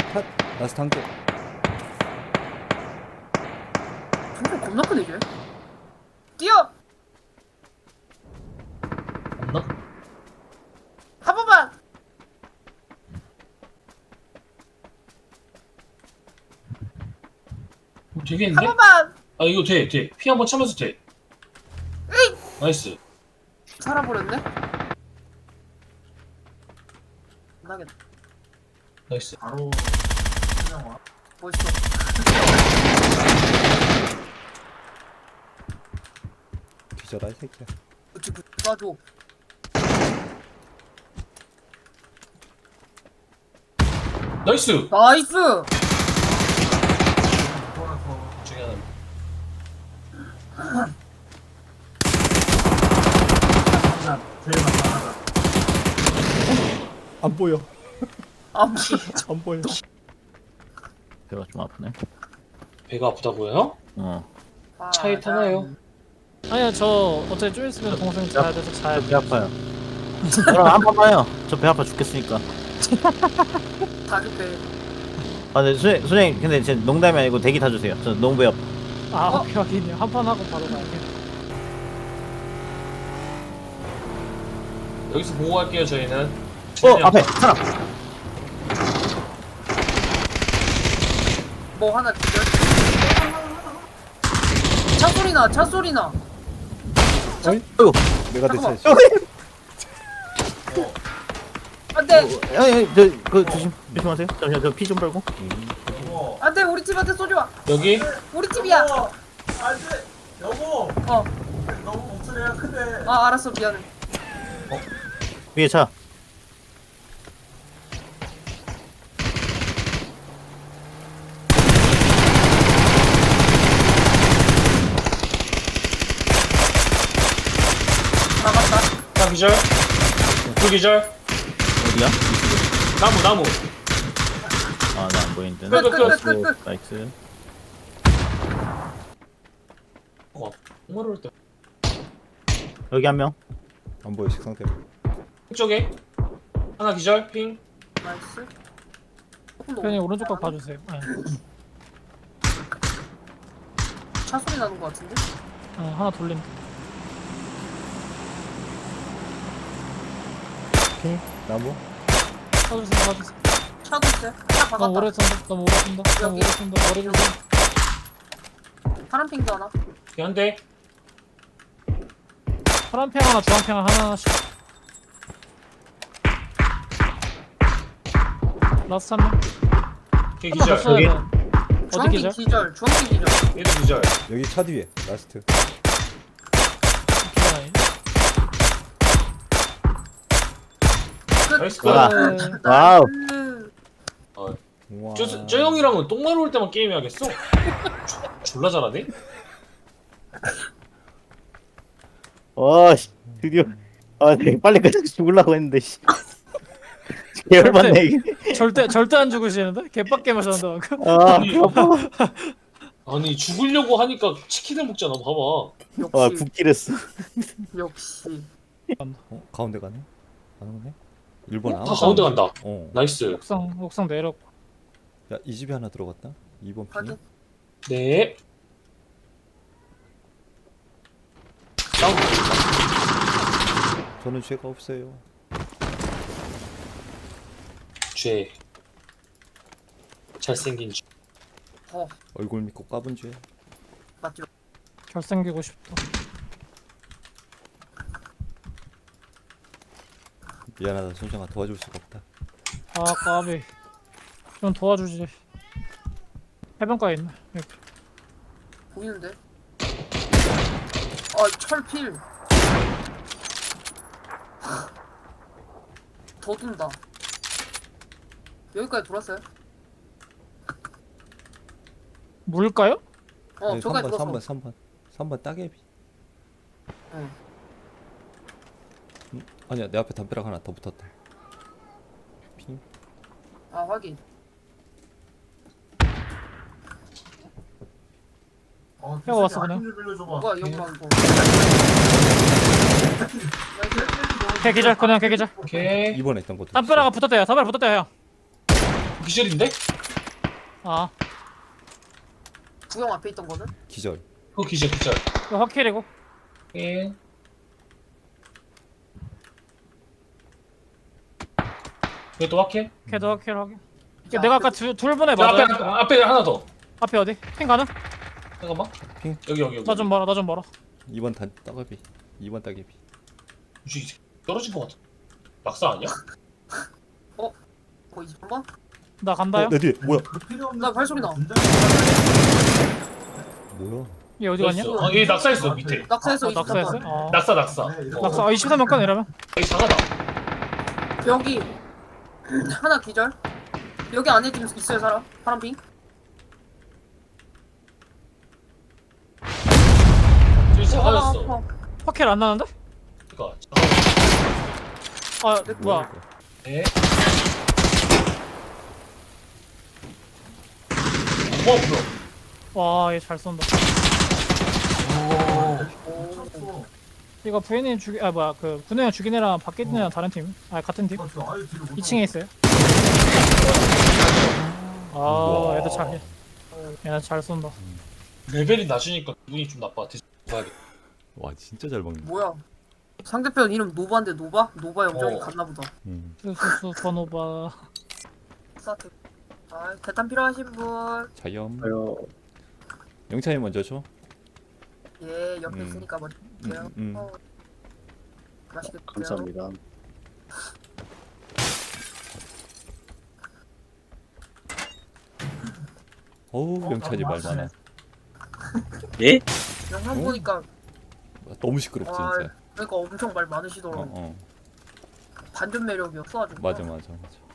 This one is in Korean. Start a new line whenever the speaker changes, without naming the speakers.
컷. 라스트 한 개.
정말 겁나 크네 이제. 뛰어!
없나?
한 번만!
되겠는데?
한 번만!
아 이거 돼. 피 한번 차면서 돼. 나이스.
살아버렸네? 나겠다.
나이스.
바로 그냥 와.
멋있어.
뒤져라 이 새끼야.
그치, 쏴줘.
나이스.
나이스!
그거라서
중에 하나.
진짜 제일 만만하다.
안 보여.
아,
안 보여.
배가 좀 아프네.
배가 아프다고요?
어.
차에 타나요?
아니야 저 어차피 좀 있으면 동생 자야 돼서 자야
배 아파요. 저랑 한 번만요. 저 배 아파 죽겠으니까.
다급해.
아, 네, 선생님, 근데 제 농담이 아니고 대기 타주세요. 저 너무 배 아파.
아 오케이 확인이요. 한 판 하고 바로 가야겠.
여기서 보고 갈게요 저희는.
앞에 사람.
뭐 하나 기절? 차 소리 나, 차 소리 나.
어이구.
내가
잠깐만.
대체했어.
안 돼!
그 조심하세요. 잠시만, 저 피 좀 빨고.
여보.
안 돼! 우리 집한테 쏘지 마!
여기
우리 집이야!
여보. 안돼. 여보.
어,
너무 목소리가 크대.
아, 알았어, 미안해.
위에 차.
나갔다.
하나 기절. 둘 기절.
어디야?
나무.
아, 나 안 보이는데.
끝.
나이스.
정말 올 때.
여기 한 명.
안 보여 식상대로.
쪽에 하나 기절. 핑.
나이스.
편히 오른쪽 각 봐주세요. 네.
차 소리 나는 것 같은데?
하나 돌림.
핑. 나무.
봐주세요.
차도 있어. 차
너무
박았다.
오래 쏜다. 너무
여기.
오래 쏜다. 머리 조심.
파란 핑도 하나.
여기 한 대.
파란 팽 하나, 주황 팽 하나씩. 라스트 한 명.
걔
한번 더
기절.
써야 돼. 어디
주황핑
기절?
기절. 주황핑 기절.
얘도 기절.
여기 차 뒤에 라스트.
기절 아니?
끝.
나이스.
아.
나이스.
와우.
우와.
저 형이랑은 똥마루 올 때만 게임해야겠어. 졸라 잘하네.
씨. 드디어. 아, 되게 빨리 그냥 죽으려고 했는데, 씨. 개열받네, 이게.
절대 안 죽으시는데? 개빡게 마셨는데 방금.
아,
아니 죽으려고 하니까 치킨을 먹잖아. 봐봐.
와,
역시.
붓기랬어.
역시.
가운데 가네. 가는 거네. 1번
다
아무.
가운데 간다.
어.
나이스.
옥상 내렸고.
야, 이 집에 하나 들어갔다. 2번 핑.
확인.
네. 다운.
저는 죄가 없어요.
죄. 잘생긴 죄.
얼굴 믿고 까본 죄.
맞죠?
결생기고 싶다.
미안하다 손정아 도와줄 수가 없다.
아 까비. 좀 도와주지. 해변가에 있네. 여기.
보이는데? 철필. 더 둔다. 여기까지 돌았어요?
물까요?
아니,
저기까지
3번
돌았어.
3번 따개비.
응.
아니야 내 앞에 담벼락 하나 더 붙었다. 핑.
아, 확인.
형 왔어, 그냥.
뭐가 영광 이거.
개기절 그냥 개기절.
오케이.
2번에 있던 것도.
담벼락가 붙었대요. 담벼락 붙었대요 형.
기절인데?
아
구형 앞에 있던 거는?
기절.
그거 기절.
이거 확킬이고.
예. 이것도 확해?
걔도 확킬 확인.
자,
내가 아까 둘 보내
저
맞아.
앞에 하나 더.
앞에 어디? 핑 가능?
잠깐만.
핑.
여기.
나 좀 멀어. 나 좀 멀어.
2번 따개비. 2번 따개비.
이 새끼 떨어진 것 같아. 낙사 아니야?
거기 2번?
나 간다요.
내 뒤에 뭐야?
그 필요 없는
나 발소리 나.
뭐야?
얘 어디 갔냐?
있어. 얘 낙사했어 밑에.
낙사해서
낙사했어?
23번.
어.
낙사.
네, 이거
낙사. 23번 건 이러면.
여기 작아다.
여기 하나 기절. 여기 안에 지금 있어요 사람. 파란 핑.
저기 작아졌어.
아파.
확킬 안 나는데?
그니까.
아 뭐야?
예. 뭐야?
와 얘 잘 쏜다.
쳤어.
이거 부인님 죽이 아 뭐야 그 군우형 죽인 애랑 밖에 있는 애랑 다른 팀? 아 같은 팀?
저 아예 뒤로 못
2층에 있어요. 아
우와.
얘도 잘 얘는 잘 쏜다.
레벨이 낮으니까 기분이 좀 나빠. 봐야겠다.
와 진짜 잘 먹네.
뭐야? 상대편 이름 노바인데 노바? 노바 영정이
어.
갔나 보다.
수수수 번호바.
스타트. 아, 대탄 필요하신 분.
자염.
아유,
영찬이 먼저 줘.
예, 옆에
음.
있으니까 먼저 드세요. 어. 맛있게 드세요.
감사합니다.
어우 영찬이 말 많아.
예?
영상 보니까
너무 시끄럽지 진짜.
그러니까 엄청 말 많으시더라고.
어.
반전 매력이었어 아주.
맞아.